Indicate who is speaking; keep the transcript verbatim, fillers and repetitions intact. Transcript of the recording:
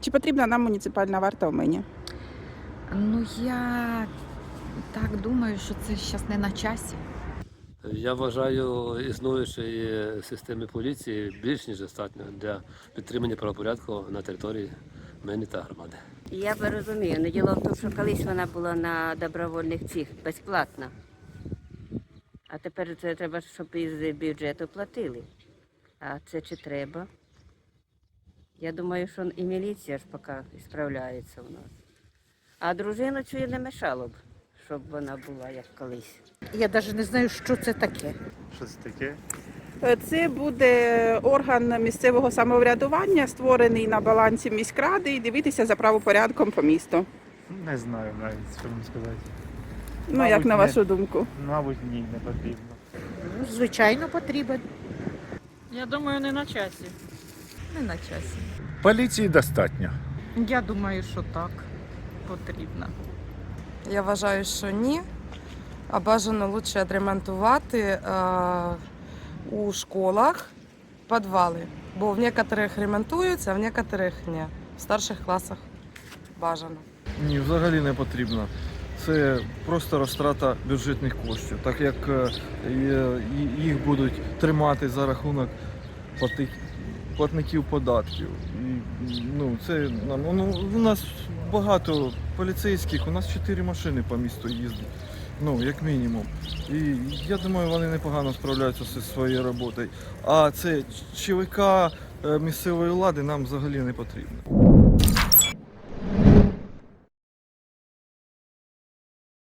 Speaker 1: Чи потрібна нам муніципальна варта в Мині?
Speaker 2: Ну, я так думаю, що це зараз не на часі.
Speaker 3: Я вважаю існуючої системи поліції більш ніж достатньо для підтримання правопорядку на території Мини та громади.
Speaker 4: Я би розумію, але діло в тому, що колись вона була на добровольних цих безплатна. А тепер це треба, щоб із бюджету платили. А це чи треба? Я думаю, що і міліція ж поки справляється у нас. А дружину цю не мешало б, щоб вона була як колись.
Speaker 5: Я навіть не знаю, що це таке.
Speaker 6: Що це таке?
Speaker 1: Це буде орган місцевого самоврядування, створений на балансі міськради, і дивитися за правопорядком по місту.
Speaker 6: Не знаю навіть, що вам сказати.
Speaker 1: Ну,
Speaker 6: Мабуть,
Speaker 1: як на
Speaker 6: не.
Speaker 1: вашу думку?
Speaker 6: Мабуть, ні, не потрібно.
Speaker 5: Ну, звичайно, потрібен.
Speaker 7: Я думаю, не на часі.
Speaker 2: Не на часі.
Speaker 8: Поліції достатньо.
Speaker 7: Я думаю, що так потрібно.
Speaker 9: Я вважаю, що ні. А бажано краще відремонтувати е, у школах підвали. Бо в некоторих ремонтуються, а в некоторих ні. В старших класах бажано.
Speaker 10: Ні, взагалі не потрібно. Це просто розтрата бюджетних коштів, так як е, е, їх будуть тримати за рахунок плати- платників податків. І, ну, це, ну, у нас багато поліцейських, у нас чотири машини по місту їздять, ну, як мінімум. І я думаю, вони непогано справляються зі своєю роботою. А це ЧВК е, місцевої влади нам взагалі не потрібно.